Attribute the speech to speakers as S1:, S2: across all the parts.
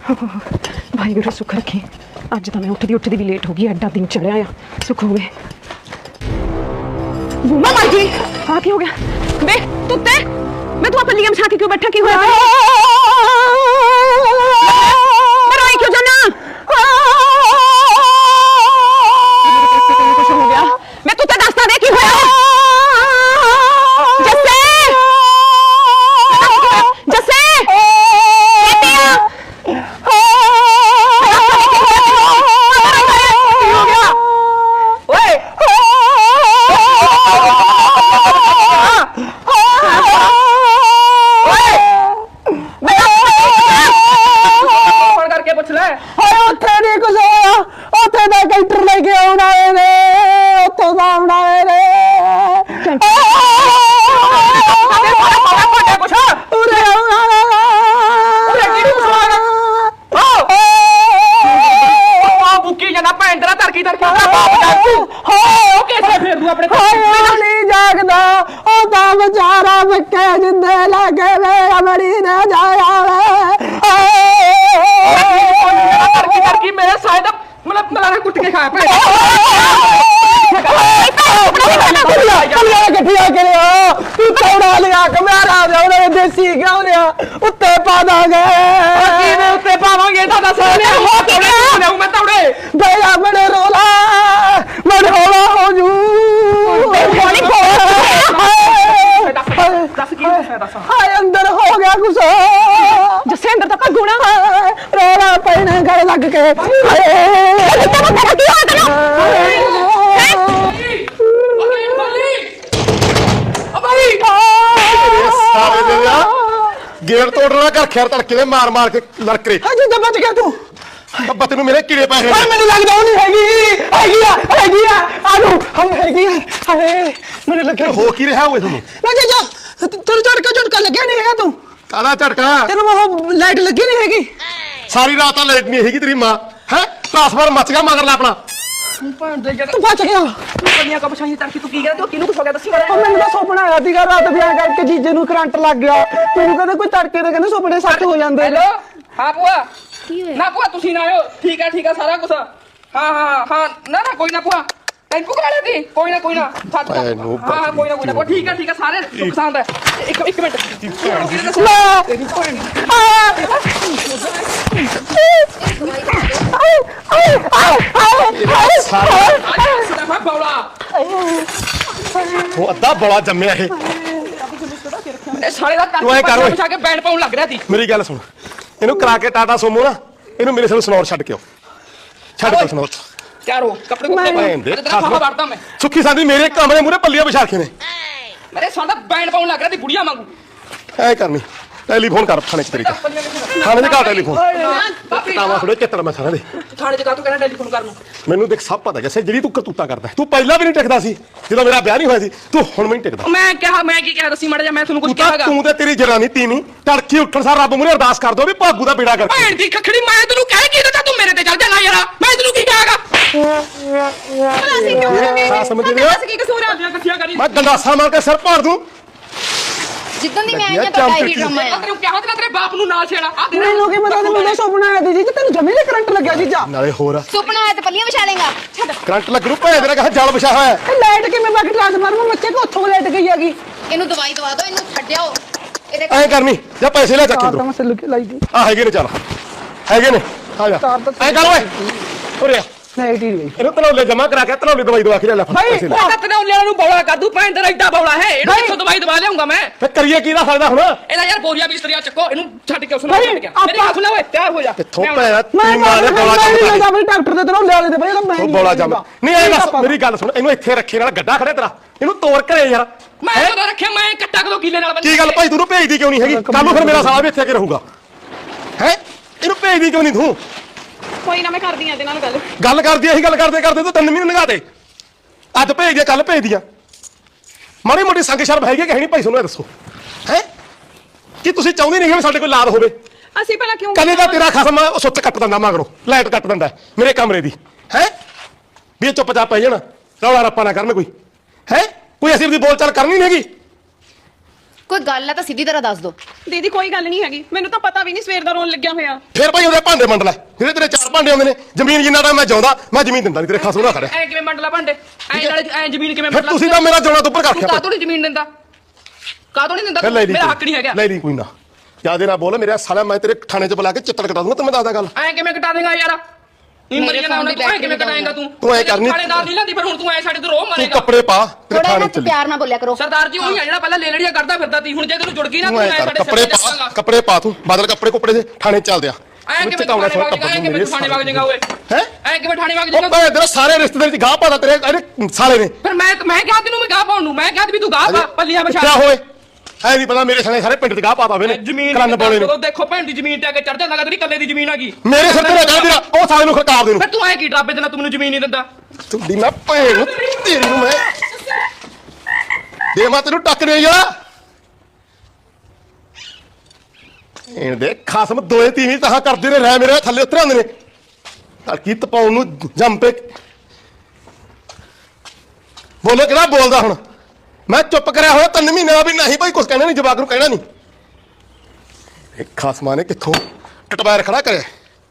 S1: वाहिगुरू सुख रखे। अज तो मैं उठती भी लेट हो गई, एडा दिन चढ़िया आ, सुख हो गए। बूमा मार जी, हाँ की हो गया बे तुत्ते? मैं तू पल्लियां बिछा के क्यों बैठा, की होया? रोई क्यों जाना? कुछ हो गया? मैं तुत्ते दसता दे की होया? जस्से जस्से अंदर हो गया कुछ जैसे अंदर तक गुना रोला पैने गल लग के
S2: गेट तोड़ना कर खैर तड़के मार मार के लड़के
S1: बच गया तू
S2: बत्ती मेरे कीड़े पै गए।
S1: मैंने लगता नहीं हैगी आलू हम हैगी मैंने लगे
S2: हो की रहा हुए तुम
S1: तेरे झटका लगे नहीं है तू
S2: काला झटका
S1: तेरे वो लाइट लगी नहीं हैगी
S2: सारी रात लाइट नहीं हैगी तेरी मां है ट्रांसफार्मर मच गया मगर अपना
S1: तू बच गया दुनिया का बचाई तड़की तू की गया तो किनु कुछ हो गया दसी मैंने तो सुपना आया थी रात ब्याह करके जीजे नु करंट लग गया तू कहंदा कोई तड़के ते कहंदा सुपने सच हो जांदे।
S3: हेलो हां बुआ ना बुआ तुसी ना आयो ठीक है सारा कुछ हां हां हां ना कोई ना बुआ टेंपू करा लेती कोई ना हां कोई ना बुआ ठीक है सारे सुख शांत है एक मिनट
S2: वो अद्धा बड़ा जम्मिया है
S3: सारे दा बिछा के बैंड पाउन लग रहा थी।
S2: मेरी गल सुन इनु करा के टाटा सोमो ना इनु मेरे साथ सनौर छड़ के आओ छड़ के सनौर
S3: क्या रो कपड़े को मैं
S2: सुखी सांदी मेरे कमरे मुरे पल्लियां बिछा के ने
S3: मेरे सादा बैंड पाउन लग रहा थी बुढ़िया मांगू
S2: ऐ करनी टेलीफोन कर थाने च तेरी थाने च का टेलीफोन तावा थोड़े चित्तर मैं थाने दे
S3: थाने च का तू कहना टेलीफोन कर
S2: ਮੈਨੂੰ ਦੇਖ ਸਭ ਪਤਾ ਜੈਸੇ ਜਿਹੜੀ ਤੂੰ ਕਰਤੂਤਾ ਕਰਦਾ ਤੂੰ ਪਹਿਲਾਂ ਵੀ ਨਹੀਂ ਟਿਕਦਾ ਸੀ ਜਦੋਂ ਮੇਰਾ ਵਿਆਹ ਨਹੀਂ ਹੋਇਆ ਸੀ ਤੂੰ ਹੁਣ ਵੀ ਨਹੀਂ ਟਿਕਦਾ।
S3: ਮੈਂ ਕੀ ਕਿਹਾ ਦੱਸੀ ਮੜ ਜਾ ਮੈਂ ਤੁਹਾਨੂੰ ਕੁਝ ਕਿਹਾਗਾ
S2: ਤੂੰ ਤੇ ਤੇਰੀ ਜਨਾਨੀ ਤੀਵੀਂ ਤੜਕੀ ਉੱਠਣ ਸਾਰ ਰੱਬ ਮੂਹਰੇ ਅਰਦਾਸ ਕਰ ਦੋ ਵੀ ਭਾਗੂ ਦਾ ਬੇੜਾ ਕਰ
S3: ਭੈਣ ਦੀ ਖਖੜੀ ਮੈਂ ਤੈਨੂੰ ਕਹਿ ਕੀ ਦਿੱਤਾ ਤੂੰ ਮੇਰੇ ਤੇ ਚੱਲ ਜਾਣਾ ਯਾਰ ਮੈਂ ਤੈਨੂੰ ਕੀ ਕਹਾਗਾ
S2: ਸਮਝ ਲਿਆ
S3: ਕੀ ਕਸੂਰ ਆ ਇਕੱਠੀਆਂ ਕਰੀ
S2: ਮੈਂ ਗੰਡਾਸਾ ਮਾਰ ਕੇ ਸਿਰ ਪਾੜ ਦੂੰ
S4: ਜਿੱਦਾਂ ਦੀ ਮੈਂ ਆਈ ਆ ਪਤਾ ਹੀ ਡਰਾਮਾ ਆ
S3: ਤੈਨੂੰ ਕਿਹਾ ਤੇ ਤੇਰੇ ਬਾਪ ਨੂੰ ਨਾਲ ਛੇੜਾ ਆ ਦੇ
S1: ਮੈਨੂੰ ਕੀ ਪਤਾ ਮੈਨੂੰ ਸੁਪਨਾ ਆਇਆ ਸੀ ਤੈਨੂੰ ਜਮੇ ਦੇ ਕਰੰਟ ਲੱਗਿਆ ਜੀਜਾ
S2: ਨਾਲੇ ਹੋਰ
S4: ਸੁਪਨਾ ਆਇਆ ਤੇ ਪੱਲੀਆਂ ਵਿਛਾ ਲੇਗਾ ਛੱਡ
S2: ਕਰੰਟ ਲੱਗ ਰੂ ਭੈਣ ਤੇਰਾ ਕਹਾ ਜਲ ਵਿਛਾ ਹੋਇਆ
S1: ਇਹ ਲਾਈਟ ਕਿਵੇਂ ਬਾਕੀ ਟ੍ਰਾਂਸਫਾਰਮਰ ਮੱਚੇ ਕੋ ਉੱਥੋਂ ਲਾਈਟ ਗਈ ਹੈਗੀ
S4: ਇਹਨੂੰ ਦਵਾਈ ਦਵਾ ਦਿਓ ਇਹਨੂੰ ਛੱਡਿਓ ਇਹਦੇ
S2: ਐ ਕਰਨੀ ਜਾਂ ਪੈਸੇ ਲੈ ਚੱਕ
S1: ਤਾਂ ਮੈਂ ਸੱਲੂ ਕੇ ਲਾਈ ਦੀ
S2: ਆ ਹੈਗੇ ਨੇ ਚੱਲ ਹੈਗੇ ਨੇ ਆ ਜਾ ਐ ਕਰ ਓਏ ਉਰੇ ਆ
S1: ਲਾਈਟ ਹੀ ਗਈ
S2: ਇਹਨੂੰ ਤਨੌਲੇ ਜਮਾ ਕਰਾ ਕੇ ਤਨੌਲੇ ਦਵਾਈ ਦਵਾ ਕੇ ਲੈ ਪੈਸੇ ਲੈ
S3: ਮੈਂ ਤੈਨੂੰ ਲਿਆਉਣ ਨੂੰ ਬੌਲਾ ਕਰ ਦੂੰ ਭੈਣ ਤੇਰਾ ਏਡਾ ਬੌਲਾ ਹੈ ਇਹਨੂੰ ਕਿੱਥੋਂ ਦਵਾਈ ਦਵਾ ਲਿਆਉਂਗਾ ਮੈਂ
S2: ਫੇ ਕਰੀਏ ਕੀ ਦਾ ਫਾਇਦਾ ਹੁਣ
S3: ਇਹਦਾ ਯਾਰ ਬੋਰੀਆ ਬਿਸਤਰੀਆ ਚੱਕੋ ਇਹਨੂੰ ਛੱਡ ਕੇ ਉਸ ਨੂੰ ਛੱਡ ਕੇ ਮੇਰੀ ਗੱਲ ਸੁਣ ਲੈ ਓਏ ਤਿਆਰ ਹੋ ਜਾ
S2: ਕਿੱਥੋਂ ਪੈਣਾ
S1: ਮੈਂ
S2: ਤੀ ਮਾਰੇ ਬੋਲਾ
S1: ਮੈਂ ਜਾ ਬਈ ਡਾਕਟਰ ਦੇ ਤਨੌਲੇ ਵਾਲੇ ਦੇ ਬਈ ਇਹਦਾ ਮੈਂ
S2: ਉਹ ਬੋਲਾ ਜਮ ਨਹੀਂ ਐ ਬਸ ਮੇਰੀ ਗੱਲ ਸੁਣ ਇਹਨੂੰ ਇੱਥੇ ਰੱਖੇ ਨਾਲ ਗੱਡਾ ਖੜੇ ਤੇਰਾ ਇਹਨੂੰ ਤੋੜ ਘਰੇ ਯਾਰ
S3: ਮੈਂ ਕਦੋਂ ਰੱਖਿਆ ਮੈਂ ਕੱਟਾ ਕਦੋਂ ਕੀਲੇ ਨਾਲ
S2: ਕੀ ਗੱਲ ਭਾਈ ਤੂੰ ਭੇਜਦੀ ਕਿਉਂ ਨਹੀਂ ਹੈਗੀ ਕੱਲ ਨੂੰ ਫਿਰ ਮੇਰਾ ਸਾਲਾ ਵੀ ਇੱਥੇ ਆ ਕੇ ਰਹੂਗਾ ਹੈ ਇਹਨੂੰ ਭੇਜਦੀ ਕਿਉਂ ਨਹੀਂ ਤੂੰ
S1: ਕੋਈ ਨਾ ਮੈਂ ਕਰਦੀ ਆ ਇਹਦੇ ਨਾਲ
S2: ਗੱਲ ਕਰਦੀ ਇਹੀ ਗੱਲ ਕਰਦੇ ਤੂੰ 3 ਮਹੀਨੇ ਲੰਘਾ ਦੇ ਅੱਜ ਭੇਜ ਦੇ ਕੱਲ ਭੇਜ ਦੀਆਂ ਮਾੜੀ ਮੋਟੀ ਸੰਗ ਸ਼ਰਮ ਹੈਗੀ ਕਿ ਹੈ ਨਹੀਂ ਭਾਈ ਤੁਹਾਨੂੰ ਇਹ ਦੱਸੋ ਹੈ ਕੀ ਤੁਸੀਂ ਚਾਹੁੰਦੇ ਨਹੀਂ ਕਿ ਸਾਡੇ ਕੋਲ ਲਾਦ ਹੋਵੇ
S1: ਅਸੀਂ ਪਹਿਲਾਂ ਕਿਉਂ
S2: ਕਦੇ ਦਾ ਤੇਰਾ ਖਸਮ ਸੁੱਚ ਕੱਟ ਦਿੰਦਾ ਮਗਰੋਂ ਲਾਈਟ ਕੱਟ ਦਿੰਦਾ ਮੇਰੇ ਕਮਰੇ ਦੀ ਹੈ ਵੀ ਚੁੱਪਚਾਪ ਪੈ ਜਾਣਾ ਰੌਲਾ ਰੱਪਾ ਨਾ ਕਰਨ ਕੋਈ ਹੈ ਕੋਈ ਅਸੀਂ ਦੀ ਬੋਲ ਚਾਲ ਕਰਨੀ ਨਹੀਂ ਹੈਗੀ
S4: ਕੋਈ ਗੱਲ ਹੈ ਤਾਂ ਸਿੱਧੀ ਤਰ੍ਹਾਂ ਦੱਸ ਦੋ।
S5: ਦੀਦੀ ਕੋਈ ਗੱਲ ਨਹੀਂ ਹੈਗੀ, ਮੈਨੂੰ ਤਾਂ ਪਤਾ ਵੀ ਨਹੀਂ ਸਵੇਰ ਦਾ ਰੋਣ ਲੱਗਿਆ ਹੋਇਆ।
S2: ਫਿਰ ਭਾਈ ਉਹਦੇ ਭਾਂਡੇ ਮੰਡ ਲੈ, ਜਿਹੜੇ ਤੇਰੇ 4 ਭਾਂਡੇ ਆਉਂਦੇ ਨੇ। ਜ਼ਮੀਨ ਜਿੰਨਾ ਟਾਈਮ ਮੈਂ ਜਾਉਂਦਾ, ਮੈਂ ਜ਼ਮੀਨ ਦਿੰਦਾ ਨਹੀਂ, ਤੇਰੇ ਖਾਸੂ ਨਾ ਖੜਿਆ।
S3: ਐ ਕਿਵੇਂ ਮੰਡਲਾ ਭਾਂਡੇ, ਐ ਨਾਲੇ ਐ ਜ਼ਮੀਨ ਕਿਵੇਂ
S2: ਫਿਰ
S3: ਮੰਡਲਾ?
S2: ਤੁਸੀਂ ਤਾਂ ਮੇਰਾ ਜੋੜਾ ਤੋਂ ਉੱਪਰ ਕਰ ਰੱਖਿਆ।
S3: ਕਾਹਤੋਂ ਨਹੀਂ ਜ਼ਮੀਨ ਦਿੰਦਾ, ਕਾਹਤੋਂ ਨਹੀਂ ਦਿੰਦਾ?
S2: ਫਿਰ ਲੈ ਲਈ,
S3: ਮੇਰਾ ਹੱਕ ਨਹੀਂ ਹੈਗਾ।
S2: ਲੈ ਲਈ ਕੋਈ ਨਾ, ਜਿਆਦੇ ਨਾ ਬੋਲ ਮੇਰਾ ਸਾਲਾ, ਮੈਂ ਤੇਰੇ ਥਾਣੇ 'ਚ ਬੁਲਾ ਕੇ ਚਿੱਤੜ ਕਟਾ ਦੂੰਗਾ। ਤੈਨੂੰ ਮੈਂ ਦੱਸਦਾ ਗੱਲ।
S3: ਐ ਕਿਵੇਂ ਕਟਾ ਦੇਗਾ ਯਾਰ? ਨੀ ਮਰੀ ਜਾਣਾ ਹੁਣ, ਤੂੰ ਐ ਕਿਵੇਂ ਕਟਾਏਗਾ ਤੂੰ?
S2: ਤੂੰ ਐ ਕਰਨੀ,
S3: ਥਾਣੇਦਾਰ ਨਹੀਂ ਲੈਂਦੀ, ਫਿਰ ਹੁਣ ਤੂੰ ਐ ਸਾਡੇ ਤੋਂ ਰੋਹ
S2: ਤੂੰ
S3: ਮਾਰੇਗਾ।
S2: ਕੱਪੜੇ ਪਾ, ਤੇਰੇ
S4: ਥੋੜਾ
S2: ਥਾਣੇ
S4: ਜਿਹਾ
S2: ਚੱਲੀ।
S4: ਪਿਆਰ ਨਾਲ ਬੋਲਿਆ ਕਰੋ।
S3: ਸਰਦਾਰ ਜੀ ਉਹੀ ਆ ਜਿਹੜਾ ਪਹਿਲਾਂ ਲੇਲੜੀਆਂ ਕਰਦਾ ਫਿਰਦਾ ਸੀ, ਹੁਣ ਜੇ ਤੈਨੂੰ ਜੁੜ ਗਈ ਨਾ
S2: ਤੂੰ
S3: ਤੂੰ
S2: ਐ
S3: ਐ
S2: ਕਰ,
S3: ਸਾਡੇ
S2: ਕੱਪੜੇ
S3: ਸਿਰ ਤੇ
S2: ਪਾ,
S3: ਜਾਏਗਾ।
S2: ਕੱਪੜੇ ਪਾ, ਤੂੰ ਬਦਲ ਕੱਪੜੇ ਕੁੱਪੜੇ ਦੇ, ਥਾਣੇ ਚੱਲਦੇ ਆ।
S3: ਐ ਕਿਵੇਂ ਥਾਣੇ ਵਗ ਜਾਏਗਾ? ਐ ਕਿਵੇਂ ਥਾਣੇ ਵਗ ਜਾਏਗਾ ਓਏ?
S2: ਹੈ
S3: ਐ ਕਿਵੇਂ ਥਾਣੇ ਵਗ
S2: ਉਹ
S3: ਜਾਏਗਾ?
S2: ਭਾਵੇਂ ਤੇਰੇ ਸਾਰੇ ਰਿਸ਼ਤੇਦਾਰ 'ਚ ਗਾਹ ਪਾਦਾ, ਤੇਰੇ ਇਹਦੇ ਸਾਲੇ ਨੇ।
S3: ਫਿਰ ਮੈਂ ਕਿਹਾ ਤੈਨੂੰ ਮੈਂ ਗਾਹ ਪਾਉਣ ਨੂੰ, ਮੈਂ ਕਿਹਾ ਵੀ ਤੂੰ ਗਾਹ ਪਾ ਪੱਲੀਆਂ ਵਿਛਾ।
S2: ਕਿਆ ਹੋਏ ਐ ਨਹੀਂ ਪਤਾ, ਮੇਰੇ ਸਾਲੇ ਸਾਰੇ ਪਿੰਡ 'ਚ ਗਾਹ ਪਾਦਾ ਹੋਵੇ ਨੇ।
S3: ਜ਼ਮੀਨ
S2: ਕਲੰਨ ਪਾਉਣੇ ਨੇ।
S3: ਦੇਖੋ ਭੈਣ ਦੀ ਜ਼ਮੀਨ ਤੇ ਆ ਕੇ ਚੜ ਜਾਂਦਾ, ਤੇਰੀ ਕੱਲੇ ਦੀ ਜ਼ਮੀਨ ਹੈਗੀ।
S2: ਮੇਰੇ ਸਿਰ ਤੇ ਨਾ ਚੜ ਤੇਰਾ, ਉਹ ਸਾਲੇ ਨੂੰ ਖੜਕਾ ਦੇ ਨੂੰ।
S3: ਫਿਰ ਤੂੰ ਐ ਕੀ ਡਰਾਬੇ ਦੇਣਾ, ਤੂੰ ਮੈਨੂੰ ਜ਼ਮੀਨ ਨਹੀਂ ਦਿੰਦਾ?
S2: ਤੁਹਾਡੀ ਮੈਂ ਭੈਣ ਨੂੰ, ਤੇਰੀ ਨੂੰ ਮੈਂ ਦੇ ਮੈਂ ਤੈਨੂੰ ਟੱਕ ਦੇ ਯਾਰ। ਇਹ ਦੇ ਖਸਮ ਦੋਏ ਤੀਵੀਂ ਤਾਂ ਕਰਦੇ ਨੇ, ਰਹਿ ਮੇਰੇ ਥੱਲੇ ਉਤਰ ਆਉਂਦੇ ਨੇ। ਤੜਕੀ ਤਪਾਉਣ ਨੂੰ ਜੰਮ ਪੇ। ਬੋਲੋ ਕਿਹੜਾ ਬੋਲਦਾ ਹੁਣ? ਮੈਂ ਚੁੱਪ ਕਰਿਆ ਹੋਇਆ 3 ਮਹੀਨੇ ਦਾ ਵੀ ਨਹੀਂ ਭਾਈ, ਕੁਛ ਕਹਿਣਾ ਨਹੀਂ, ਜਵਾਕ ਨੂੰ ਕਹਿਣਾ ਨਹੀਂ। ਇਹ ਖਸਮਾਂ ਨੇ ਕਿੱਥੋਂ ਟਟਵਾਰ ਖੜਾ ਕਰਿਆ।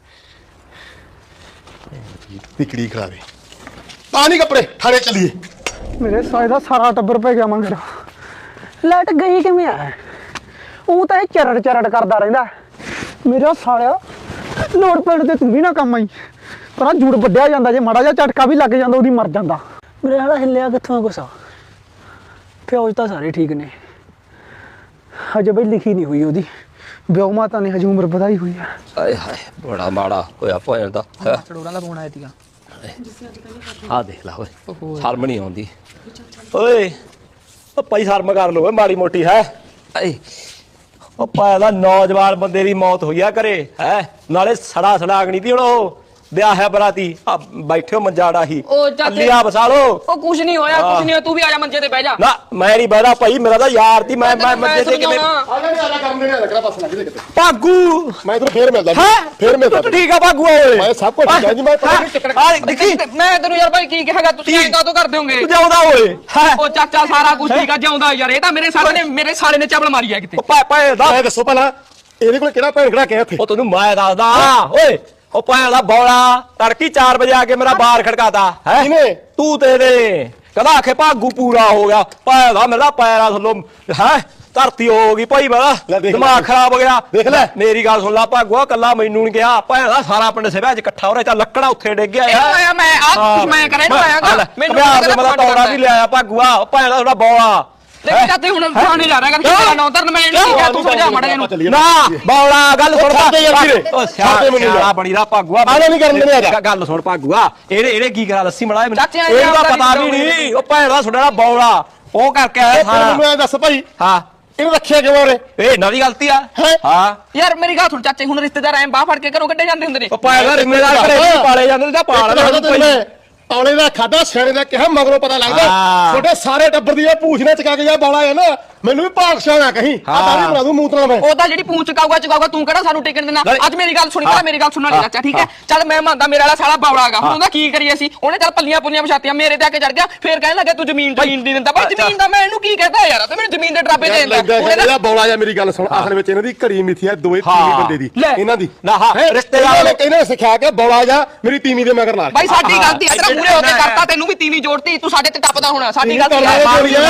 S2: ਟਿਕੜੀ ਖੜਾ ਦੇ, ਪਾ ਨਹੀਂ ਕੱਪੜੇ, ਥਾਣੇ ਚੱਲੀਏ।
S1: ਮੇਰੇ ਸਾਲੇ ਦਾ ਸਾਰਾ ਟੱਬਰ ਪੈ ਗਿਆ ਮੰਗਰ। ਲਾਈਟ ਗਈ ਕਿਵੇਂ ਆ? ਉਹ ਤਾਂ ਇਹ ਚਰੜ ਚਰੜ ਕਰਦਾ ਰਹਿੰਦਾ। ਮੇਰਾ ਸਾਲਿਆ ਲੋੜ ਪੈਣ ਤੇ ਤੂੰ ਵੀ ਨਾ ਕੰਮ ਆਈ। ਪਰ ਜੂੜ ਵੱਡਿਆ ਜਾਂਦਾ, ਜੇ ਮਾੜਾ ਜਿਹਾ ਝਟਕਾ ਵੀ ਲੱਗ ਜਾਂਦਾ ਉਹਦੀ ਮਰ ਜਾਂਦਾ। ਮੇਰੇ ਸਾਲਾ ਹਿੱਲਿਆ ਕਿੱਥੋਂ ਗੁੱਸਾ। ਫੌਜ ਤਾਂ ਸਾਰੇ ਠੀਕ ਨੇ, ਹਜੇ ਬਈ ਲਿਖੀ ਨਹੀਂ ਹੋਈ ਉਹਦੀ। ਵਿਆਹ ਮਾਤਾ ਨੇ ਹਜੇ ਉਮਰ ਵਧਾਈ ਹੋਈ ਆ।
S6: ਆਏ ਹਾਏ ਬੜਾ ਮਾੜਾ ਹੋਇਆ ਭੈਣ ਦਾ।
S3: ਚੜੋਰਾਂ ਦਾ ਫੋਨ ਆਇਆ ਸੀਗਾ।
S6: ਆ ਦੇਖ ਲਾ ਓਏ, ਸ਼ਰਮ ਨਹੀਂ ਆਉਂਦੀ ਓਏ। ਉਹ ਭਾਈ ਸ਼ਰਮ ਕਰ ਲੋ ਓਏ ਮਾੜੀ ਮੋਟੀ ਹੈ। ਆਏ ਉਹ ਭਾਇਆ ਦਾ ਨੌਜਵਾਨ ਬੰਦੇ ਦੀ ਮੌਤ ਹੋਈ ਆ ਘਰੇ ਹੈ, ਨਾਲੇ ਸੜਾ ਸੜਾਗਣੀ ਤੀ। ਹੁਣ ਉਹ ਵਿਆਹ ਹੈ ਬਰਾਤੀ, ਆ ਬੈਠਿਓ ਮੰਜਾੜਾ ਹੀ
S3: ਉਹ ਚਾਚੇ-
S6: ਅੱਲੀਆ ਬਸਾ ਲੋ।
S3: ਉਹ ਕੁਛ ਨਹੀਂ ਹੋਇਆ, ਕੁਛ ਨਹੀਂ ਹੋਇਆ। ਤੂੰ ਵੀ ਆ ਜਾ ਮੰਜੇ ਤੇ ਬਹਿ ਜਾ।
S6: ਨਾ ਮੈਂ ਨਹੀਂ ਬਹਿਦਾ ਭਾਈ, ਮੇਰਾ ਤਾਂ ਯਾਰ ਤੀ। ਮੈਂ ਮੰਜੇ ਤੇ ਕਿਵੇਂ
S2: ਆ ਜਾ ਨਹੀਂ, ਆ ਜਾ ਕਰਨ ਦੇ ਨਹੀਂ ਲੱਗਣਾ, ਬਸ ਲੱਗ ਜੇ ਕਿਤੇ।
S6: ਭਾਗੂ
S2: ਮੈਂ ਤੈਨੂੰ ਫੇਰ ਮਿਲਦਾ,
S6: ਹੈ
S2: ਫੇਰ ਮਿਲਦਾ।
S6: ਠੀਕ ਆ ਭਾਗੂ ਓਏ।
S2: ਮੈਂ ਸਭ ਕੁਝ ਠੀਕ ਹੈ ਜੀ, ਮੈਂ ਪਤਾ ਨਹੀਂ ਚੱਕਰ।
S6: ਆ ਦੇਖੀ
S3: ਮੈਂ ਤੈਨੂੰ ਯਾਰ ਭਾਈ ਕੀ ਕਹਾਂਗਾ, ਤੁਸੀਂ ਐਂ ਕਾਹਤੋਂ ਕਰਦੇ ਹੋਗੇ?
S6: ਤੂੰ ਜਾਉਂਦਾ ਓਏ ਹੈ।
S3: ਉਹ ਚਾਚਾ ਸਾਰਾ ਕੁਝ ਠੀਕ ਆ, ਜਿਉਂਦਾ ਯਾਰ। ਇਹ ਤਾਂ ਮੇਰੇ ਸਾਲੇ ਨੇ ਚਬਲ ਮਾਰੀ ਆ ਕਿਤੇ।
S6: ਉਹ ਭਾਏ ਦਾ
S2: ਮੈਂ ਦੱਸੋ ਪਹਿਲਾਂ, ਇਹਦੇ ਕੋਲ ਕਿਹੜਾ ਭੈਣ ਖੜਾ ਕਿਹਾ ਇੱਥੇ?
S6: ਉਹ ਤੈਨੂੰ ਮੈਂ ਦੱਸਦਾ ਓਏ। ਉਹ ਭੈਣ ਦਾ ਬੌਲਾ ਤੜਕੀ 4 ਵਜੇ ਆ ਕੇ ਮੇਰਾ ਬਾਰ ਖੜਕਾਤਾ ਹੈ।
S2: ਕਿਹਨੇ?
S6: ਤੂੰ ਤੇ ਕਹਿੰਦਾ ਆਖੇ ਭਾਗੂ ਪੂਰਾ ਹੋ ਗਿਆ। ਭੈਣ ਦਾ ਮੇਰਾ ਪੈਰਾਂ ਥੱਲੋਂ ਹੈ ਧਰਤੀ ਹੋ ਗਈ ਭਾਈ।
S2: ਲੈ
S6: ਮੇਰਾ
S2: ਦੇਖ
S6: ਦਿਮਾਗ
S2: ਲੈ।
S6: ਖਰਾਬ ਹੋ ਗਿਆ।
S2: ਦੇਖ ਲੈ।
S6: ਮੇਰੀ ਗੱਲ ਸੁਣ ਲਾ ਭਾਗੂਆ, ਕੱਲਾ ਮੈਨੂੰ ਨਹੀਂ ਗਿਆ। ਭੈਣ ਦਾ ਸਾਰਾ ਪਿੰਡ ਸਿਵਿਆਂ 'ਚ ਇਕੱਠਾ ਹੋ ਰਿਹਾ, ਚੱਲ ਲੱਕੜਾ ਉੱਥੇ ਡਿੱਗ ਗਿਆ ਯਾਰ।
S3: ਆਇਆ ਮੈਂ ਆ ਕੁਝ ਮੈਂ ਕਰਿਆ ਨਹੀਂ ਆਇਆਗਾ।
S6: ਮੈਨੂੰ ਮੇਰਾ ਤੌੜਾ ਵੀ ਲਿਆਇਆ ਭਾਗੂਆ। ਭੈਣ ਦਾ ਥੋੜਾ ਬੌਲਾ
S3: ਦੇਖ ਚਾਚੇ ਹੁਣ ਥਾਣੇ ਜਾ ਰਿਹਾ ਕਰ, ਕਿਹੜਾ ਨੌ ਧਰਨ ਮੈਂ ਨਹੀਂ ਕਿਹਾ, ਤੂੰ ਸਮਝਾ ਮੜਾ ਇਹਨੂੰ।
S6: ਨਾ ਬੌਲਾ ਗੱਲ ਸੁਣ
S2: ਛੱਡ ਦੇ ਯਾਰ ਵੀਰੇ।
S6: ਉਹ
S2: ਛੱਡ ਦੇ ਮੈਨੂੰ ਯਾਰ।
S6: ਸਿਆਣਾ ਬਣੀ ਦਾ ਭਾਗੂਆ।
S2: ਆਲਾ ਨਹੀਂ ਕਰਨ ਦੇਣੇ ਆ ਜਾ।
S6: ਗੱਲ ਸੁਣ ਭਾਗੂਆ, ਇਹਨੇ ਕੀ ਕਰਾ ਦੱਸੀ ਮੜਾ
S3: ਚਾਚੇ ਆਏ
S6: ਇਹਦਾ
S3: ਆਪਦਾ
S6: ਪਤਾ ਵੀ ਨਹੀਂ। ਉਹ ਭੈਣ ਦਾ ਸੁਣਿਆ ਬੌਲਾ ਉਹ ਕਰਕੇ ਆਇਆ
S2: ਮੈਨੂੰ
S6: ਸਾਰਾ।
S2: ਐ ਦੱਸ ਭਾਈ,
S6: ਹਾਂ
S2: ਇਹਨੂੰ ਰੱਖਿਆ ਕਿਉਂ ਰੇ?
S6: ਇਹ ਇਹਨਾਂ ਦੀ ਗਲਤੀ ਆ।
S2: ਹੈਂ?
S6: ਹਾਂ
S3: ਯਾਰ ਮੇਰੀ ਗੱਲ ਸੁਣ ਚਾਚੇ, ਹੁਣ ਰਿਸ਼ਤੇਦਾਰ ਐਂ ਬਾਹ ਫੜ ਕੇ ਘਰੋਂ ਕੱਢੇ ਜਾਂਦੇ ਹੁੰਦੇ ਨੇ।
S6: ਉਹ ਭੈਣ ਦਾ ਰਿਸ਼ਤੇਦਾਰ ਘਰੇ ਨਹੀਂ ਪਾਲੇ ਜਾਂਦੇ ਜਾਂ ਪਾਲ ਲੈ।
S2: ਔਲੇ ਦਾ ਖਾਦਾ ਸਿਆਣੇ ਦਾ ਕਿਹਾ ਮਗਰੋਂ ਪਤਾ ਲੱਗਦਾ।
S6: ਹਾਂ।
S2: ਛੋਟੇ ਸਾਰੇ ਟੱਬਰ ਦੀ ਇਹ ਪੂਛ ਨਾ ਚਕਾ ਕੇ ਜਾ ਬੌਲਾ ਹੈ ਨਾ, ਮੈਨੂੰ ਵੀ ਪਾਕਸ਼ਾ ਨਾ ਕਹੀਂ। ਆ ਦਾੜੀ ਬਣਾ ਦੂੰ ਮੂਤਰਾ ਮੈਂ।
S3: ਉਹਦਾ ਜਿਹੜੀ ਪੂੰਛ ਚਕਾਊਗਾ ਤੂੰ ਕਿਹੜਾ ਸਾਨੂੰ ਟਿਕਣ ਦੇਣਾ? ਅੱਜ ਮੇਰੀ ਗੱਲ ਸੁਣੀ, ਪਹਿਲਾਂ ਮੇਰੀ ਗੱਲ ਸੁਣਨ ਵਾਲੀ ਚਾਚਾ, ਠੀਕ ਹੈ? ਚੱਲ ਮੈਂ ਮੰਨਦਾ ਮੇਰੇ ਵਾਲਾ ਸਾਲਾ ਬਾਵੜਾਗਾ, ਹੁਣ ਉਹਦਾ ਕੀ ਕਰੀਏ ਅਸੀਂ? ਉਹਨੇ ਚੱਲ ਪੱਲੀਆਂ ਪੁੱਲੀਆਂ ਵਿਛਾਤੀਆਂ, ਮੇਰੇ ਤੇ ਆ ਕੇ ਚੜ ਗਿਆ, ਫੇਰ ਕਹਿਣ ਲੱਗਾ ਤੂੰ ਜ਼ਮੀਨ ਨਹੀਂ ਦਿੰਦਾ। ਭਾਈ ਜ਼ਮੀਨ ਦਾ ਮੈਂ ਇਹਨੂੰ ਕੀ ਕਹਦਾ ਯਾਰ? ਤੇ ਮੈਨੂੰ ਜ਼ਮੀਨ ਦੇ ਡਰਾਬੇ ਦੇ ਦਿੰਦਾ।
S2: ਇਹਦਾ ਬੌਲਾ ਜਾਂ ਮੇਰੀ ਗੱਲ ਸੁਣ, ਅਸਲ ਵਿੱਚ ਇਹਨਾਂ ਦੀ ਘੜੀ ਮਿੱਥੀ ਹੈ, ਦੋਏ ਤੀਵੀਂ ਬੰਦੇ ਦੀ ਇਹਨਾਂ ਦੀ।
S6: ਨਾ ਹਾਂ ਰਿਸ਼ਤੇਦਾਰ
S2: ਨੇ ਕਹਿੰਦੇ ਸਿਖਾ ਕੇ ਬੌਲਾ ਜਾਂ ਮੇਰੀ ਤੀਵੀਂ ਦੇ ਮਗਰ ਲਾ।
S3: ਭਾਈ ਸਾਡੀ ਗਲਤੀ ਹੈ, ਤੇਰਾ ਮੂਰੇ ਹੋ ਕੇ ਕਰਤਾ, ਤੈਨੂੰ ਵੀ ਤੀਵੀਂ ਜੋੜਤੀ, ਤੂੰ ਸਾਡੇ ਤੇ ਟੱਪਦਾ ਹੋਣਾ। ਸਾਡੀ ਗਲਤੀ ਹੈ।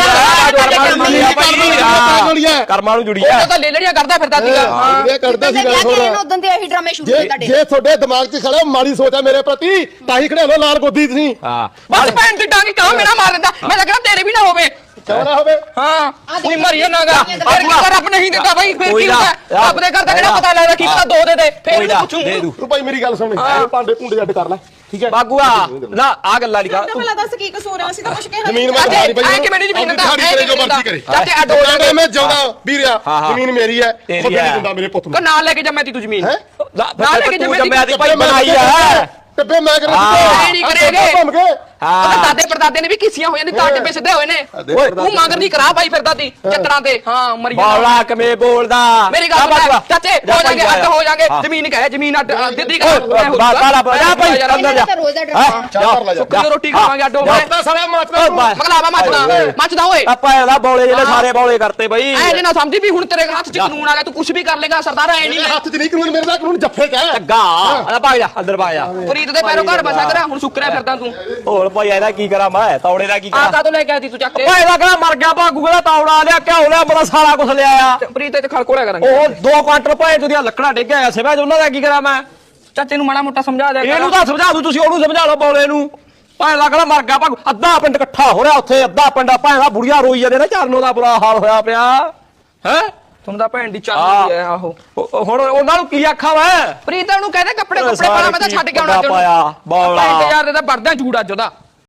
S6: ਕਰਮਾਂ ਨੂੰ ਜੁੜੀ
S3: ਉਹ ਤਾਂ ਲੇਲੜੀਆਂ ਕਰਦਾ ਫਿਰਦਾ ਸੀਗਾ।
S2: ਇਹ ਕਰਦਾ ਸੀ ਗੱਲ ਸੁਣ।
S4: ਉਦੋਂ ਤੇ ਇਹੀ ਡਰਾਮੇ ਸ਼ੁਰੂ ਹੋਏ ਤੁਹਾਡੇ।
S2: ਜੇ ਤੁਹਾਡੇ ਦਿਮਾਗ 'ਚ ਖੜਾ ਮਾੜੀ ਸੋਚ ਹੈ ਮੇਰੇ ਪ੍ਰਤੀ, ਤਾਂ ਹੀ ਖੜੇ ਹੋ ਲਾਲ ਗੋਦੀ ਤੁਸੀਂ।
S6: ਹਾਂ
S3: ਬਸ ਭੈਣ ਦੀ ਡਾਂਗੀ ਕਹਾਂ ਮੇਰਾ ਮਾਰ ਦਿੰਦਾ। ਮੈਂ ਤਾਂ ਕਹਿੰਦਾ ਤੇਰੇ ਵੀ ਨਾ ਹੋਵੇ।
S2: ਕਿਉਂ ਨਾ ਹੋਵੇ?
S3: ਹਾਂ ਕੋਈ ਮਰੀ ਜਾਣਾਗਾ। ਫਿਰ ਕੀ ਕਰ, ਰੱਬ ਨਹੀਂ ਦਿੰਦਾ ਭਾਈ, ਫਿਰ ਕੀ ਹੁੰਦਾ? ਰੱਬ ਦੇ ਘਰ ਦਾ ਕਿਹੜਾ ਪਤਾ ਲੱਗਦਾ, ਕੀ ਪਤਾ ਦੋ ਦੇ ਦੇ, ਫਿਰ ਵੀ ਪੁੱਛੂ।
S6: ਦੇ ਦੂ
S2: ਤੂੰ ਭਾਈ ਮੇਰੀ ਗੱਲ ਸੁਣ, ਇਹ ਭਾਂਡੇ ਭੁੰਡੇ ਅੱਡ ਕਰ ਲੈ, ਠੀਕ ਹੈ?
S6: ਬਾਗੂਆ ਨਾ ਆ ਗੱਲਾਂ ਨਹੀਂ ਕਰ।
S5: ਭਲਾ ਦੱਸ ਕੀ ਕਸੂਰ ਹੈ? ਅਸੀਂ ਤਾਂ ਕੁਛ ਕਿਹਾ
S2: ਜ਼ਮੀਨ
S5: ਨਹੀਂ।
S2: ਮੈਂ ਤੁਹਾਡੀ ਭਾਈ
S3: ਐ ਕਿਵੇਂ ਨਹੀਂ ਜ਼ਮੀਨ ਦਿੰਦਾ?
S2: ਤੇਰੇ ਜੋ ਮਰਜ਼ੀ ਕਰੇ।
S3: ਚਾਚੇ ਅੱਡ ਹੋ
S2: ਚਾਚੇ ਮੈਂ ਜਾਉਂਦਾ ਵੀਰਿਆ, ਜ਼ਮੀਨ ਮੇਰੀ ਹੈ,
S6: ਤੇਰੀ
S2: ਤੁਹਾਡੇ
S6: ਹੈ।
S2: ਨਹੀਂ ਦਿੰਦਾ ਮੇਰੇ ਪੁੱਤ ਨੂੰ।
S3: ਕੋ ਨਾਲ ਲੈ ਕੇ ਜੰਮਿਆ ਤੀ ਤੂੰ ਜ਼ਮੀਨ।
S2: ਹੈਂ?
S3: ਨਾਲ ਲੈ ਕੇ ਜੰਮਿਆ ਤੀ
S6: ਭਾਈ ਬਣਾਈ ਆ।
S2: ਟੱਬੇ ਮੈਂ ਕਰਾਂ
S3: ਨਹੀਂ ਕਰੇਗੇ।
S2: ਘੁੰਮ ਕੇ
S6: ਹਾਂ।
S3: ਉਹਦੇ ਦਾਦੇ ਪੜਦਾਦੇ ਨੇ ਵੀ ਕੀਸੀਆਂ ਹੋਈਆਂ ਨੇ ਤਾਂ ਟਿੱਬੇ ਸਿੱਧੇ ਹੋਏ ਨੇ
S6: ਓਏ
S3: ਤੂੰ ਮੰਗਰ ਦੀ ਕਰਾ ਪਾਈ ਫਿਰਦਾ ਤੀ ਚੱਕਰਾਂ ਤੇ ਹਾਂ ਮਰੀ
S6: ਬੌਲਾ ਕਿਵੇਂ ਬੋਲਦਾ
S3: ਮੇਰੀ ਗੱਲ ਸੁਣ ਚਾਚੇ ਹੋ ਜਾਗੇ ਅੱਡ ਹੋ ਜਾਗੇ ਜ਼ਮੀਨ ਕਹੇ ਜ਼ਮੀਨ ਅੱਡ ਦਿੱਤੀ ਕਰ
S6: ਬਾਲਾ ਬੜਾ ਭਾਈ ਅੰਦਰ ਜਾ
S4: ਰੋਜ਼ ਦਾ
S2: ਚਾਰ ਲੈ ਜਾ
S3: ਸੁੱਕੀ ਰੋਟੀ ਖਾਵਾਂਗੇ ਅੱਡ ਹੋ
S2: ਮਾਤਾ ਸਾਲਾ ਮਾਤਾ
S3: ਮਗਲਾਵਾ ਮੱਚਦਾ ਓਏ
S6: ਆਪਾਂ ਇਹਦਾ ਬੌਲੇ ਜਿਹੜੇ ਸਾਰੇ ਬੌਲੇ ਕਰਤੇ ਬਈ
S3: ਐ ਜੇ ਨਾ ਸਮਝੀ ਵੀ ਹੁਣ ਤੇਰੇ ਹੱਥ 'ਚ ਕਾਨੂੰਨ ਆ ਗਿਆ ਤੂੰ ਕੁਝ ਵੀ ਕਰ ਲੇਗਾ ਸਰਦਾਰ ਐ ਨਹੀਂ
S2: ਹੱਥ 'ਚ ਨਹੀਂ ਕਾਨੂੰਨ ਮੇਰੇ ਦਾ ਕਾਨੂੰਨ ਜੱਫੇ ਕਹਿ
S6: ਲੱਗਾ ਆ ਭਾਗ ਜਾ ਅੰਦਰ ਭਾਗ ਜਾ
S3: ਪ੍ਰੀਤ ਦੇ ਪੈਰੋਂ ਘਰ ਬਸਾ ਕਰਾ ਹੁਣ ਸੁੱਕਰਿਆ ਫਿਰਦਾ ਤੂੰ
S6: ਹੋਰ ਭਾਈ ਇਹਦਾ ਕੀ ਕਰਾਂ ਮੈਂ ਤੌੜੇ ਦਾ ਕੀ
S3: ਆ
S6: ਕਰਾਂ
S3: ਕਾ ਤੋਂ ਲੈ ਕੇ ਆਈ ਤੂੰ ਚੱਕ ਕੇ
S6: ਭਾਈ ਦਾ ਕਹਿੰਦਾ ਮਰ ਗਿਆ ਭਾਗੂ ਕਹਿੰਦਾ ਤੌੜਾ ਲਿਆ ਘਿਓ ਲਿਆ ਬੜਾ ਸਾਰਾ ਕੁਝ ਲਿਆ ਆ
S3: ਪ੍ਰੀਤ ਤੇ ਖੜਕੋੜਿਆ ਕਰਾਂਗੇ
S6: ਉਹ 2 ਕੁਆਂਟਲ ਭਾਈ ਤੁਸੀਂ ਲੱਕੜਾਂ ਡੇਗਿਆ ਆ ਸਿਵਾ ਉਹਨਾਂ ਦਾ ਕੀ ਕਰਾਂ ਮੈਂ
S3: ਚਾਚੇ ਨੂੰ ਮਾੜਾ ਮੋਟਾ ਸਮਝਾ ਦਿਆ
S6: ਇਹਨੂੰ ਤਾਂ ਸਮਝਾ ਦੂ ਤੁਸੀਂ ਉਹਨੂੰ ਸਮਝਾ ਲਓ ਬੌਲੇ ਨੂੰ ਭਾਈ ਦਾ ਕਹਿੰਦਾ ਮਰ ਗਿਆ ਭਾਗੂ ਅੱਧਾ ਪਿੰਡ ਇਕੱਠਾ ਹੋ ਰਿਹਾ ਉੱਥੇ ਅੱਧਾ ਪਿੰਡ ਭਾਈ ਦਾ ਬੁੜੀਆਂ ਰੋਈ ਜਾਂਦੇ ਨੇ ਚਰਨੋਂ ਦਾ ਬੁਰਾ ਹਾਲ ਹੋਇਆ ਪਿਆ ਹੈ
S3: ਤੁਹਾਨੂੰ ਤਾਂ ਭੈਣ ਦੀ ਚੱਲਦੀ ਐ ਆਹੋ
S6: ਹੁਣ ਉਹਨਾਂ ਨੂੰ ਕੀ ਆਖਾਂ ਮੈਂ
S3: ਪ੍ਰੀਤ ਨੂੰ ਕਹਿੰਦੇ ਕੱਪੜੇ ਕੁੱਪੜੇ ਪਾਣਾ ਮੈਂ ਤਾਂ ਛੱਡ ਕੇ ਆਉਣਾ
S6: ਪਾਇਆ ਬੌਲਾ
S3: ਇੰਤਜ਼ਾਰ ਦੇ ਤਾਂ ਵੜਦਾ ਝੂੜਾ ਅੱਜ ਉਹਦਾ